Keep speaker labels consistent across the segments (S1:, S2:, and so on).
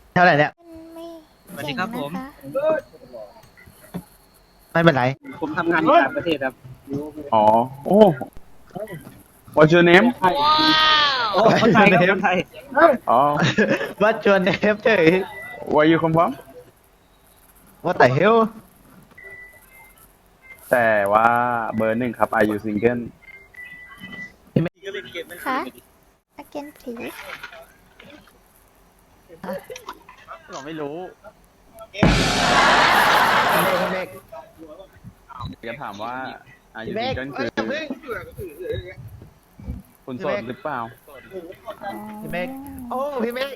S1: เท่าไหร่เนี่ย
S2: ไม่
S3: สวัสดีครับผม
S1: ไม่เป็นไร
S3: ผมทำงานที่ต่างประเทศครับ
S4: อ๋อ โอ้ What's your name
S3: โอ้คนไทยครับคนไทย
S4: อ๋อ
S1: ว่าชวนเนฟเฉย
S4: Where you come from
S1: ว่าแต่เฮล
S4: แต่ว่าเบอร์หนึ่งครับ Are you single
S2: คะ again please
S4: เราไม่รู้
S1: เมฆ
S4: จะถามว่า Are you
S1: เมฆ
S4: single
S1: เอ้
S4: คื
S1: ย
S4: อ
S1: เมฆ
S4: คุณโสดหรือเปล่า
S1: พี่เมฆโอ้พี่เมฆ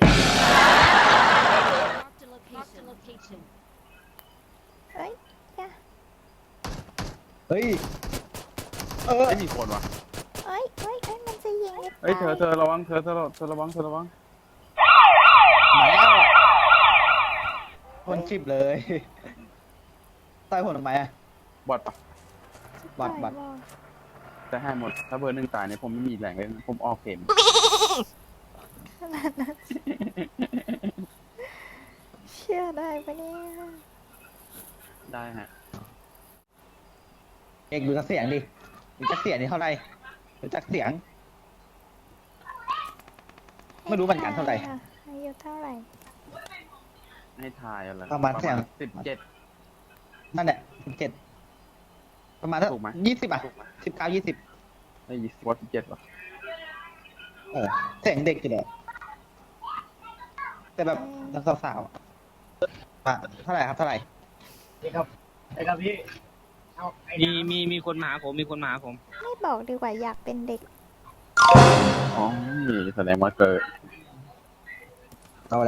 S2: เอ้ยอย่า
S1: เฮ้ย
S4: ไม่มีคนว่ะ
S2: เอ้ยมันจะยิง
S4: เฮ้ย เธอระวัง เธอระวัง
S1: มาแล้วคนชิบเลยต่อยผมทำไมอะ
S4: บอดปะ
S1: บัตร
S4: จะให้หมด ถ้าเบอร์หนึ่งตายเนี่ยผมไม่มีแรงเลยผมออกเข็ม
S2: ขนาดนั้นเชื่อได้ปะเนี่ย
S4: ได้ฮะ
S1: เอกดูจากเสียงดิดูจากเสียงนี่เท่าไหร่ดูจากเสียง ไม่รู้เหมือนกันเท่าไหร่
S2: ค่ะอายุเท่าไหร่
S4: ให้ทายอะไร
S1: ประมาณเท่าไหร่
S4: 17
S1: นั่นแหละ17ประมาณเท่า
S4: ถูกไหม
S1: 20อ่ะ19 20
S4: ไอ้20ว่า17ป่ะ
S1: เสียงเด็กอยู่เลยแต่แบบยังสาวๆอะเท่าไหร่ครับเท่าไหร่
S3: มีคนมาหาผมมีคนมาหาผม
S2: ไม่บอกดีกว่าอยากเป็นเด็ก
S4: อ๋อนี่แสดงว่าเกิด
S1: โตแล้ว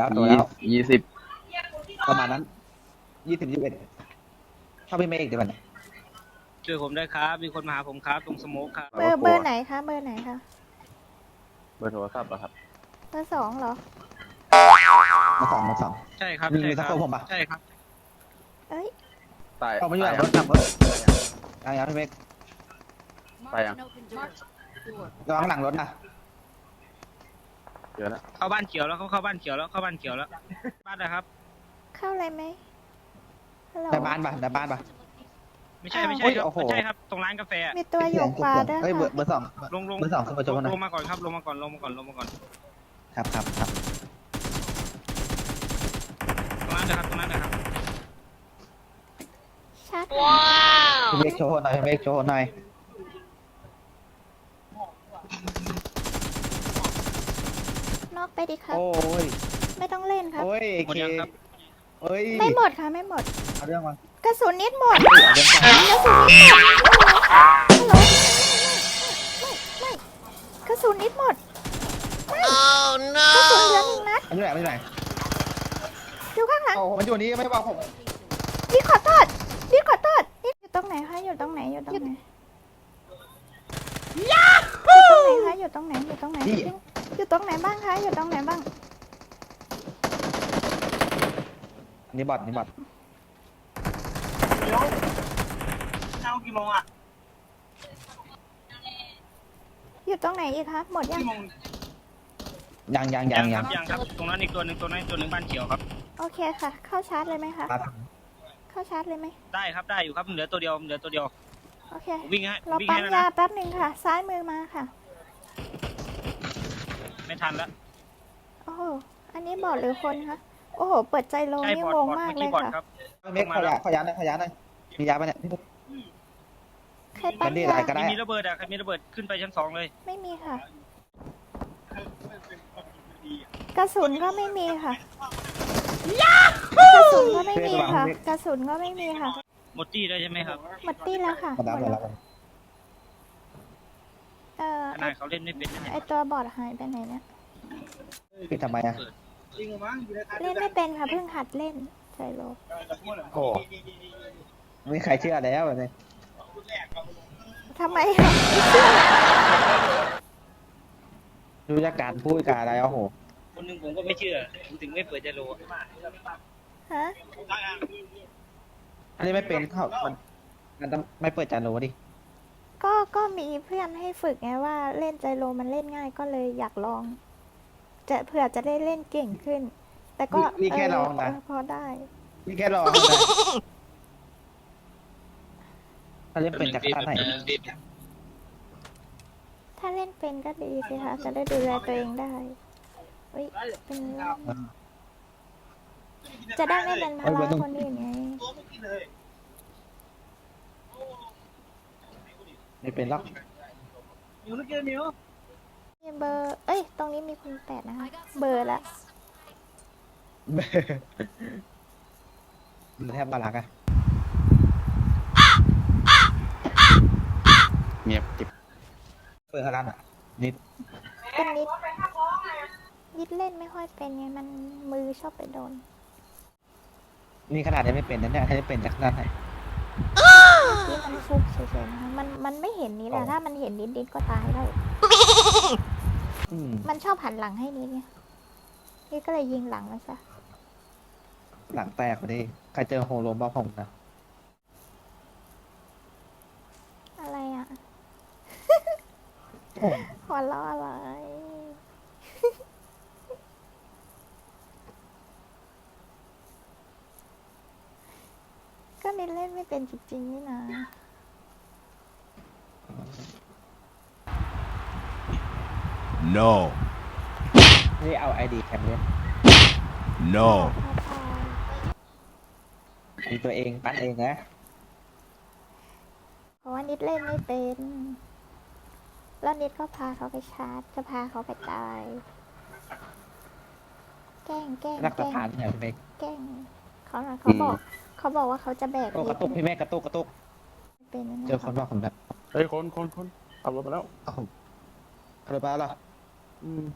S4: 20
S1: ประมาณนั้น20 21เข้าพี่เมฆเดี๋ยวมัน
S3: ช่วยผมด้วยครับ มีคนมาหาผมครับตรงสโมกครับ
S2: เบอร์ไหนคะเบอร์ไหนคะ
S4: เบอร์โทรศัพท์เหรอครับ
S2: เบอร์2เหรอ
S1: มาสอง
S3: ใช่ครับ
S1: มี
S3: ใช่ค
S1: สั
S3: รั
S1: ก
S3: บ
S1: คนผมปะ
S3: ใช่ครับ
S2: เอ้ย
S4: ตาย
S1: ออกมาอยู่หลังรถ
S4: ตาย
S1: ขับรถยังพี่เมฆ
S4: ตายยัง
S1: ระวังหลังรถนะ
S4: เจอแล้ว
S3: เข้าบ้านเขียวแล้วเขาเข้าบ้านเขียวแล้วเข้าบ้านเขียวแล้วบ้านนะครับ
S2: เข้าอะไรไหมฮัลโหล
S1: ในบ้านปะในบ้านปะ
S3: ไม่ใช่
S2: อ้าว
S3: ไม่ใช่
S1: โอ้ย
S3: ครับ
S1: โอ้โห
S3: ไม่ใช่ครับตรงร้านกาแฟอะ
S2: มีตัวอยู่ขวาด้วย
S1: เฮ้ยเบอ
S2: ค่ะ
S1: ร์สอง
S3: ลง
S1: เบอร์สองขึ้นมาจบหน่อย
S3: ลงมาก่อนครับลงมาก่อนลงมาก่อนลงมาก่อน
S1: ครับ
S3: ตรงนั้นนะครับตรงนั้นนะครับ
S2: ชัด
S1: พี่เมฆโชว์หน่อยพี่เมฆโชว์หน่อย
S2: นอกไปดิครับ
S1: โอ้ย
S2: ไม่ต้องเล่นครับ
S1: โอ้ย
S3: หมดยังครับ
S1: เฮ้ย
S2: ไม่หมดค่ะไม่หมด
S1: เอาเรื่องมาก
S2: ระสุนนิดหมด
S1: เรื่องก่อน
S2: กระสุนนิดหมดฮัลโหลไม่กระสุนนิดหมดไม่กระสุนเหลือหนึ่งนัด
S1: มันอยู่ไหนมันอยู่ไหน
S2: อยู่ข้างหลัง
S1: โอ้โหมันอยู่นี่ไม่บอกผม
S2: นี่ขอโทษนี่ขอโทษนี่อยู่ตรงไหนคะอยู่ตรงไหนอยู่ตรงไหนอยู่ตรงไหนคะอยู่ตรงไหนอยู่ตรงไหนบ้างคะอยู่ตรงไหนบ้าง
S1: นี่บอทนี่บอท
S3: เอากี่โมงอ่ะ
S2: อยู่ตรงไหนอีกคะหมดยัง
S1: ยัง
S3: ยังครับตรงนั้นอีกตัวหนึ่งบ้านเขียวครับ
S2: โอเคค่ะ เข้าชาร์จเลยไหมคะ
S1: ครับ
S2: เข้าชาร์จเลยไหม
S3: ได้ครับได้อยู่ครับเหลือตัวเดียว
S2: โอเค
S3: วิ่งให้
S2: เรา
S3: วิ่ง
S2: ปั๊
S3: ให้
S2: ม
S3: แล้ว
S2: ยา
S3: นะ
S2: แป๊บหนึ่งค่ะ ซ้ายมือมาค่ะ
S3: ไม่ทันแล้ว
S2: โอ้โหอันนี้บอดหรือคนคะโอ้โหเปิดใจโล
S3: ใช่
S2: นี่
S3: บอด
S2: งง
S3: บอด
S2: มาก
S3: เมื่อ
S2: เล
S3: กี้
S2: ย
S3: บอด
S2: ค่ะ
S3: ครับ
S1: พี่เมฆขอยาหน่อยมียาปะเนี่ยพี่
S2: ใครปั๊ม
S1: มันนี่
S2: ยา
S1: อะไรก็ได้
S3: มีระเบิดอ่ะใครมีระเบิดขึ้นไปชั้น2เลย
S2: ไม่มีค่ะ กระสุนก็ไม่มีค่ะกระสุนก็ไม่มีค่ะ กระสุนก็ไม่มีค่ะ
S3: หมดตี้ได้ใช่ไหมครับ
S2: หมดตี้แล้วค่ะ
S1: มาดับ
S2: หมด
S1: แล้
S2: แล้ว วเอ่อ
S3: ขนาดเขาเล่นไม่เป็นนะ
S2: ไอตัวบอดหายไปไหนเนี่ย
S1: ปิดทำไมอะ
S2: เล่นไม่เป็นค่ะเพิ่งหัดเล่นใจโล
S1: โอ้ไม่มีใครเชื่อแล้วแบบนี้
S2: ทำไมอะไม่เชื่อ
S1: ดูจากการพูดการอะไรโอ้โห
S3: คนหนึ่งผมก็ไม่เชื่อผมถึงไม่เปิดใจโล
S2: ฮะ
S1: อันนี้ไม่เป็นเขามันต้องไม่เปิดจานโนดิ
S2: ก็มีเพื่อนให้ฝึกไงว่าเล่นใจโลมันเล่นง่ายก็เลยอยากลอง จะเผื่อจะได้เล่นเก่งขึ้นแต่ก็
S1: นี่แค่ลองนะ
S2: พอได้
S1: นี่แค่รอนะถ้าเล่นเป็นจากท่าไหน
S2: ถ้าเล่นเป็นก็ดีสิคะจะได้ดูแลตัวเองได้เฮ้ยเป็นจะได้ไม่เป็นภาระคนอื่นไง
S1: ไม่เป็นหรอก
S2: มีเบอร์เอ้ยตรงนี้มีคุณแปดนะคะเบอร์ละ
S1: มันแทบมาลักอะ
S4: เงียบจิบ
S1: เปิดฮารันอะนิด
S2: เป็นนิดเล่นไม่ค่อยเป็นไงมันมือชอบไปโดน
S1: นี่ขนาดนี้ไม่เป็นนะเนี่ยถ้าจะเป็นจากด้านไหน
S2: ที่มันฟุกเฉยๆนะคะมันไม่เห็นนิดอะถ้ามันเห็นนิดก็ตายแล้ว
S1: อืม
S2: มันชอบหันหลังให้นิดไงนี่ก็เลยยิงหลังมันซะ
S1: หลังแตกพอดีใครเจอโฮโลบ้าผมนะ
S2: อะไรอะ
S1: โอ้
S2: หัวเราะอะไร ก็นิดเล่นไม่เป็นจริงๆนี่นะ
S5: No.
S1: นี่เอาไอดีแคมเล่น
S5: No.
S1: มีตัวเองปั้นเองนะ
S2: เพราะว่านิดเล่นไม่เป็น แล้วนิดก็พาเขาไปชาร์จ จะพาเขาไปตาย แกล้ง
S1: รักษาฐานเนี่ยพี่เมก
S2: แกล้งเขาบอกว่าเขาจะแบก
S1: โอ้ก
S2: นิ
S1: ระ
S2: ด
S1: ตุกพี่เมกกระตุก
S2: เป็นนะ
S1: เจอคนว่าผมแบบ
S4: เฮ้ยคนขับรถมาแล้ว
S1: เอ้าอะไรบ้าล่ะ
S4: อืม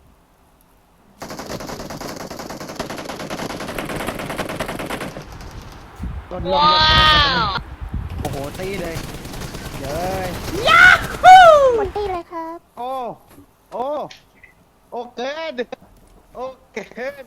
S1: โดนลมโอ้โหตีเลยเย้ย
S2: หมดตีเลยครับ
S1: โอ้โอ้โอเกินโอเกิน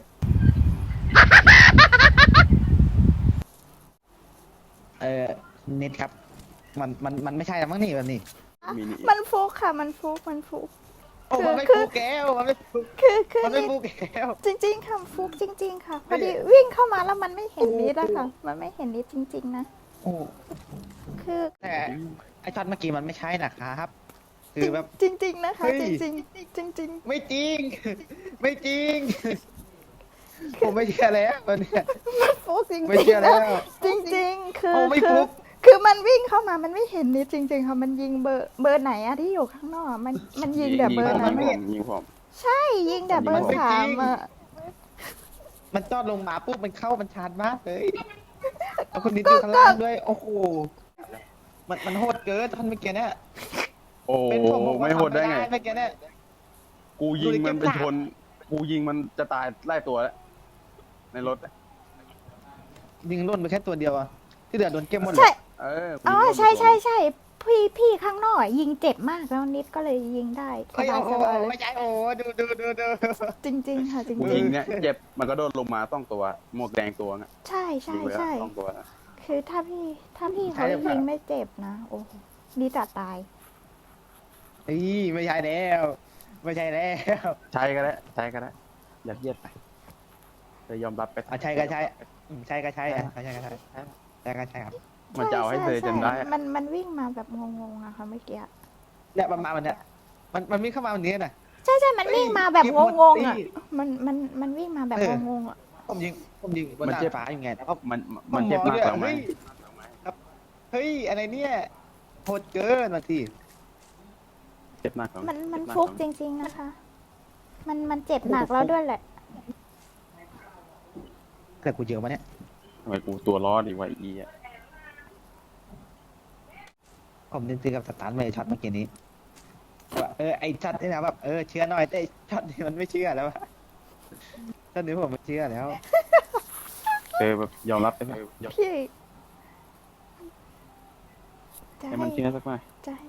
S1: นิดครับ มันไม่ใช่แล้วมั้งนี่แบบนี้
S4: มินิ
S2: มันฟุกค่ะ มันฟุก
S1: โอ้มันไม่
S2: คือ
S1: ฟูแก้วมันไม่ฟู
S2: คือ
S1: มันไม่
S2: นิด
S1: ฟูแก้ว
S2: จริงๆค่ะฟุกจริง ๆ ค่ะ พอดีวิ่งเข้ามาแล้วมันไม่เห็นนิดอะค่ะ มันไม่เห็นนิดจริง ๆ นะ
S1: โอ้
S2: คือ
S1: แต่ไอช็อตเมื่อกี้มันไม่ใช่นะครับ คือแบบ
S2: จริง ๆ นะคะ
S1: เฮ้ย
S2: จริงๆจริง
S1: ไม่จริง ไม่จริง ผมไม่เชื่อแล้ววันเนี้ย
S2: ๆมันฟุกจริง
S1: ไม่เชื่อ
S2: ๆ
S1: แล้
S2: นะ
S1: ว
S2: จริง ๆ คือ
S1: โอ้ไม่ฟุก
S2: คือมันวิ่งเข้ามามันไม่เห็นนิดจริง ๆ ค่ะ มันยิงเบอร์ไหนอะที่อยู่ข้างนอกอะมันยิงแต่เบอร์นั้น
S4: ยิงผม
S2: ใช่ยิงแต่เบอร์สามอะ
S1: มันจอดลงมาปุ๊บมันเข้ามันชาร์จมากเลยแล้วคนนี้อยู่ข้างล่างด้วย โอ้โห มันโหดเกินท่านเมื่อกี้เนี่ย
S4: โอ้
S1: เป็นผม
S4: ไม่โหดได้ไง
S1: เมื่อกี้เนี่ย
S4: กูยิงมันไปชน กูยิงมันจะตายไล่ตัวแล้ว ในรถ
S1: ยิงล่นไปแค่ตัวเดียวอะที่เหลือโดนเก็บหมดเล
S2: ใช่
S1: ย
S4: เออกู
S2: อ๋อ
S4: ยิง
S2: ใช่พี่ข้างนอกยิงเจ็บมากแล้วนิดก็เลยยิงได้ส
S1: เฮ้ย
S2: บาย
S1: โอ้
S2: ส
S1: โห
S2: บายเลย
S1: ไม่ใช่โอ้โหดู
S2: จริง ๆ ค่ะจริง
S4: กูยิงเนี่ยเจ็บมันก็โดนลงมาต้องตัว หมวกแดงตัวน่ะ
S2: ๆใช่ใช่
S4: ยิงไปแล้ว
S2: ใช่
S4: ต้องตัวนะ
S2: คือถ้าพี่เขายิงไม่เจ็บนะโอ้โหนิดจะตาย
S1: อีไม่ใช่แล้ว ไม่ใช่แล้ว
S4: ใช้ก็ได้อย่าเยียดไปจะยอมรับไป
S1: อ่ะใช่ก็ใช่ใช่ก็ใช่อ่ะใช่ก็ใช่ใช่ก็ใช่ครับ
S4: มันจะเอาให้เธอจนได้
S2: ใช่มันวิ่งมาแบบงงๆอะค่ะเมื่อกี้
S1: เนี่ยประมาณวันเนี้ยมันวิ่งเข้ามาวันนี้น่ะ
S2: ใช่มันวิ่งมาแบบงงๆอะมันวิ่งมาแบบ
S1: เออ
S2: งงๆอะ
S1: ผมยิงบน
S4: มัน
S1: ดา
S4: เจ็
S1: ด
S4: บ
S1: ฟ้าอยู่ไงแล้วก็
S4: มันเจ็บมากแล้วไหม
S1: เฮ้ยอะไรเนี่ยโหดเกินมาที
S4: เจ็บมากแล้ว
S2: มันฟุกจริง ๆนะคะ มันเจ็บหนักแล้วด้วยแหละ
S1: แต่กูเยอะมาเนี่ย
S4: ทำไมกูตัวรอดอีกวะอีอ่ะ
S1: ผมนึกถึงกับสตาร์ทไม่ช็อตเมื่อกี้นี้ว่าไอช็อตนี่นะแบบเชื่อหน่อยแต่ไอ้ช็อตนี้มันไม่เชื่อแล้วอะตอนนี้ผมไม่เชื่อแล้ว
S4: แบบยอมรับได้ไหม
S2: พี่จะ
S4: ให้มันเชื่อสักหน่อย
S2: จะให้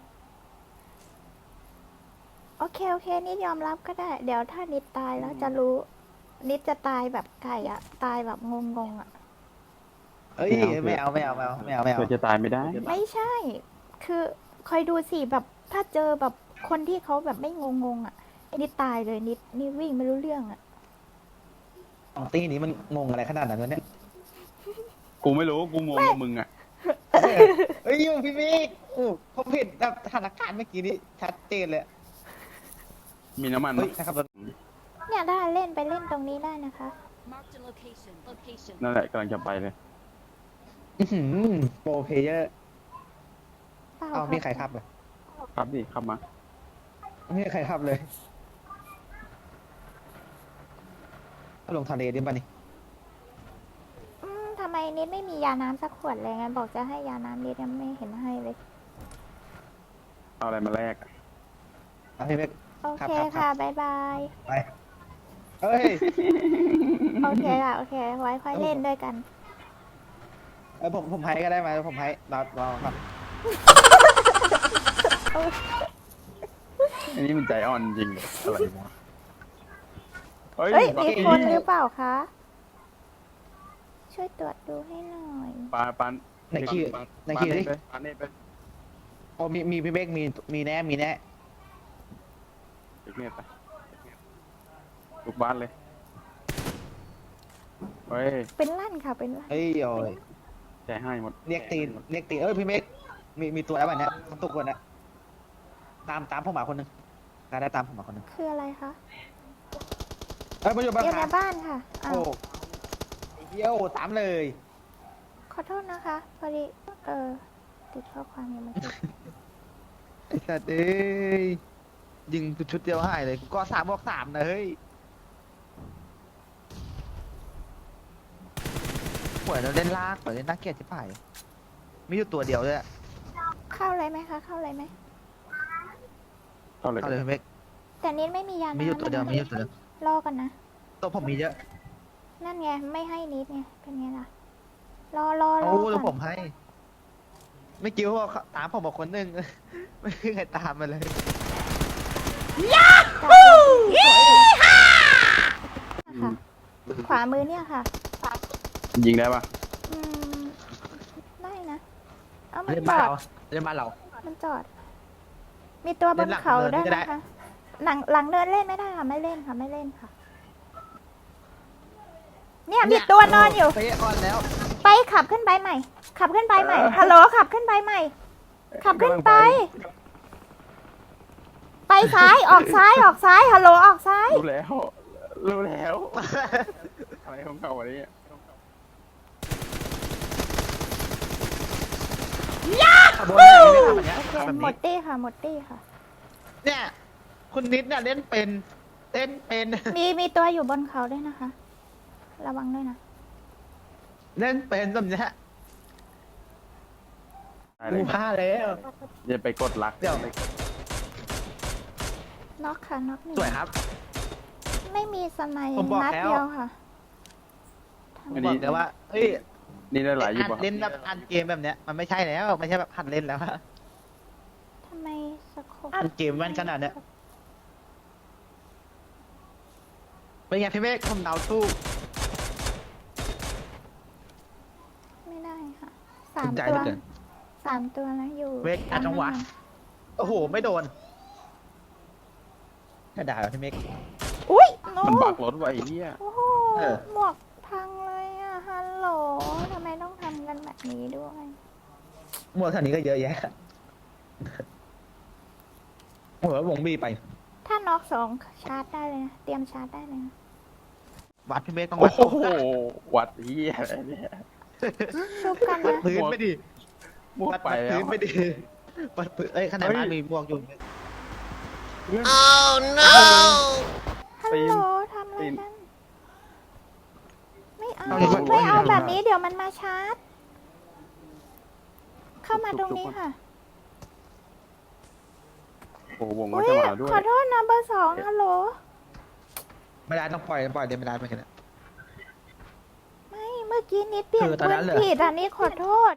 S2: โอเคนิดยอมรับก็ได้ เดี๋ยวถ้านิดตายแล้วจะรู้ นิดจะตายแบบไก่อะตายแบบงงๆอะ
S1: เอ้ยไม่เอา
S4: เพื่อจะตายไม่ได้
S2: ไม่ใช่ คือคอยดูสิแบบถ้าเจอแบบคนที่เขาแบบไม่งงๆอะนิดตายเลยนิดวิ่งไม่รู้เรื่องอะ
S1: ของตีนี้มันงงอะไรขนาดนั้นวะเนี่ย
S4: กูไม่รู้กูงงกับมึงอ่ะ
S1: เฮ้ยพี่บิ๊กโอ้ผมเห็นแบบสถานการณ์เมื่อกี้นี้ชัดเจนเลย
S4: มีน้ำมัน
S1: เฮ้ย
S4: ปะ
S1: นะครับรถ
S2: เนี่ยได้เล่นไปเล่นตรงนี้ได้นะคะ
S6: Marked a location. Location.
S4: นั่นแหละกำลังจะไปเลย
S1: อื้อหือโปรเพลเยอร์
S2: เปล่า
S1: เอา
S2: ค่ะ
S1: มีใครขับเลย
S4: ครับดิขับมา
S1: ไม่มีใครขับเลยเอาลงทะเลดิบ้านี่
S2: ทำไมนิดไม่มียาน้ำสักขวดเลยไงบอกจะให้ยาน้ำนิดยังไม่เห็นให้เลย
S4: เอาอะไรมาแลกอะ
S1: เอาพี่บิ๊ก
S2: โอ
S1: ครับ
S2: เค
S1: ครับ
S2: ค่ะบ๊ายบาย
S1: ไปเฮ้ย
S2: โอเคค่ะโอเคไว้ค่อยเล่นด้วยกัน
S1: ผมให้ก็ได้ไหมผมให้รอครับ
S4: อันนี้มันใจอ่อนจริงเลยอะไรวะเฮ้ย
S2: เฮ้ย
S4: บัก
S2: มี
S4: กี้
S2: คนหรือเปล่าคะช่วยตรวจดูให้หน่อย
S4: ปาน
S1: ไหนขี้ไหนขี้ดิ
S4: ปานนี่ไป
S1: โอ้มีพี่เบกมีแน่มีแน่
S4: เด็กเนี่ยไปลูกบ้านเลยเฮ้ย
S2: เป็นลั่นค่ะเป็นลั่น
S1: เฮ้ยโอ้ย
S4: ใจให้หมด
S1: เรียกตีนพี่เบกมีตัวแล้ววันเนี้ยทั้งตัวคนนะตามผมมาคนหนึงได้ตามผมมาคนหนึง
S2: คืออะไรคะ
S1: มาอยู่บ้าน
S2: อยู่ใน
S1: ค่ะ
S2: บ้านค่ะอ้า
S1: โอ้
S2: ว
S1: เยี่ยวตามเลย
S2: ขอโทษนะคะพอดีติดข้อความยังไม่ติด
S1: ไอ้สัตว์เอ้ยยิงชุดเดียวหายเลยก็3 บวก 3นะเฮ้ยป่วยแล้วเล่นลากป่วยเล่นน่าเกลียดที่ป่ายมีอยู่ตัวเดียวด้วยอะ
S2: เข้าเลยไหมคะเข้าเลยไหม
S4: เข้าเลย
S1: เอาเลยพี่เบก
S2: แต่นิดไม่มียาน้ำ
S1: มีอยู่ตัวเดียว
S2: นะคะ
S1: มีอยู่ตัวเดียว
S2: รอก่อนนะ
S1: ตัวผมมีเยอะ
S2: นั่นไงไม่ให้นิดไงเป็นไงล่ะรอ
S1: เอาแล้วผ
S2: ก่อน
S1: มให้ ไม่กิ้วว่าตามผมมาคนหนึ่ง ไม่มีใครตามมาเลย
S2: ค่ะขวามือเนี่ยค่ะ
S4: ยิงได้ปะ
S2: อืมได้นะเอามัน
S1: เล่น
S2: จ
S1: บ้าน
S2: อด
S1: เราเล่นบ้านเรา
S2: มันจอด มีตัวบ
S1: เล่
S2: น
S1: นหลัง
S2: เขา
S1: เนิน
S2: ได้
S1: ก็
S2: ไหม
S1: ได้
S2: คะหลังเดินเล่นไม่ได้ค่ะไม่เล่นค่ะไม่เล่นค่ะ เนี่ยมีตัวนอนอยู่
S1: เป๊ะก่อนแล้ว
S2: ไปขับขึ้นไปใหม่ ขับขึ้นไปใหม่ฮัลโหลขับขึ้นไปใหม่ ขับขึ้นไป ไปซ้ายออกซ้ายออกซ้ายฮัลโหลออกซ้าย
S4: รู้แล้วรู้แล้วอะไรของเขาวันนี้
S1: ขับรถได้ไม่ทำแบบเนี้ย
S2: โอเค
S1: ขับแบบ
S2: หม
S1: นี้
S2: ดตี้ค่ะหมดตี้ค่ะ
S1: เนี่ย คุณนิดเนี่ยเล่นเป็น
S2: มีตัวอยู่บนเขาด้วยนะคะ ระวังด้วยนะ
S1: เล่นเป็นแบบเนี้ย
S4: ได้เล
S1: กู
S4: ย
S1: พลาดแล้ว
S4: อย่าไปกดลัก
S1: เดี๋ยว
S2: น็อกค่ะน็อกหนึ่ง
S1: สวยครับ
S2: ไม่มีสมัย
S1: ผมบอก
S2: นัด
S1: แล้ว
S2: เดียวค่ะ
S4: อัน
S1: บอ
S4: นี้
S1: กเลยว่าเฮ้ย
S4: นี่ได้หลายอยู่ปะ
S1: เล่นแบบอันเกมแบบเนี้ยมันไม่ใช่แล้วไม่ใช่แบบหัดเล่นแล้ว
S2: ทำไมสโคป
S1: อันเกมมันขนาดเนี้ยเป็นไงพี่เมฆผมเดาสู้
S2: ไม่ได้ค่ะสาม
S1: ภูมิใจ
S2: ตัว
S1: เหลือเกิน
S2: สามตัวนะอยู่
S1: เวกอาจังหวะ
S2: ตรงนั้น
S1: โอ้โห ไม่โดนแค่ด่าพี่เมฆ
S2: อุ้ยโน้
S4: มันบักรถไว้ไอ้เหี้ย
S2: โอ้โห
S1: เออ
S2: หมวกพังเลยอ่ะฮัลโหลทำไมต้องทำกันแบบนี้ด้วย
S1: หมวดเท่านี้ก็เยอะแยะโอ้โหวงบีไป
S2: ถ้าน็อกสองชาร์จได้เลยนะเตรียมชาร์จได้เลยนะ
S1: วัดพี่เมฆต้อง
S4: โอ้
S1: วัด
S4: โหวัดเหี้ยอะไรเนี่ย
S2: ชุบกัน
S1: วัด
S2: นะ
S1: พื้นไม่ดี
S4: มั่ว
S1: วัด
S4: ไปแล้
S1: พื้
S4: วน
S1: ไม่ดีวัดพื้นเอ้ยขนาดบ้านมีหมวกอยู่
S2: ฮัลโหลทำอะไรกันไม่เอา
S1: เอาเลย
S2: ไม่เอาแบบนี้เดี๋ยวมันมาชาร์จ เข้ามาตรงนี้ค่ะ
S4: โอ้โหวงก็
S2: อุ้ย
S4: จะมาด้วย
S2: ขอโทษนะเบอร์สองฮัลโหล
S1: ไม่ได้ต้องปล่อยเดี๋ยวไม่ได้เหมือนกันนะ
S2: ไม่เมื่อกี้นิดเปลี่ยน
S1: คือตอน
S2: ปื
S1: นั้น
S2: น
S1: เหรอ
S2: ผิดอันนี้ขอโทษ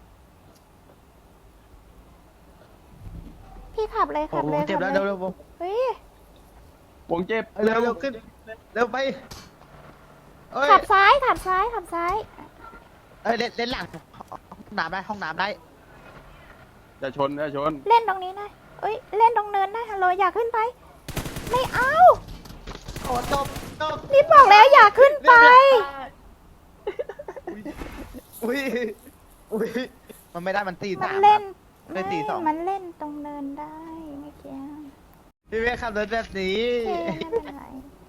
S2: พี่ขับเลย
S1: โอ้
S2: ขับ
S1: โห
S2: เลย
S1: เจ็บ
S2: ขั
S1: แล้ว
S2: บเลย
S1: เร็ว
S2: เฮ้ยว
S4: งเจ็บ
S1: เร็วขึ้นเร็วไปเอ้ย
S2: ขับซ้ายขับซ้ายขับซ้าย
S1: เอ้ยเล่นหลังห้องน้ำได้ห้องน้ำได้
S4: จะชนจะชน
S2: เล่นตรงนี้ได้เอ้ยเล่นตรงเนินได้ฮัลโหลอยากขึ้นไป ไม่เอา
S1: โอ้จบ
S2: นี่บอกแล้วอย่าขึ้นไป
S1: อุ้ยอุ้ยมันไม่ได้มันตี
S2: มัน
S1: สาม
S2: เล่น
S1: ไม่ตีสอง
S2: มันเล่นตรงเนินได้เมื่อกี้
S1: พี่เวกขับรถแบบนี้
S2: โอเคไม่เป็นไร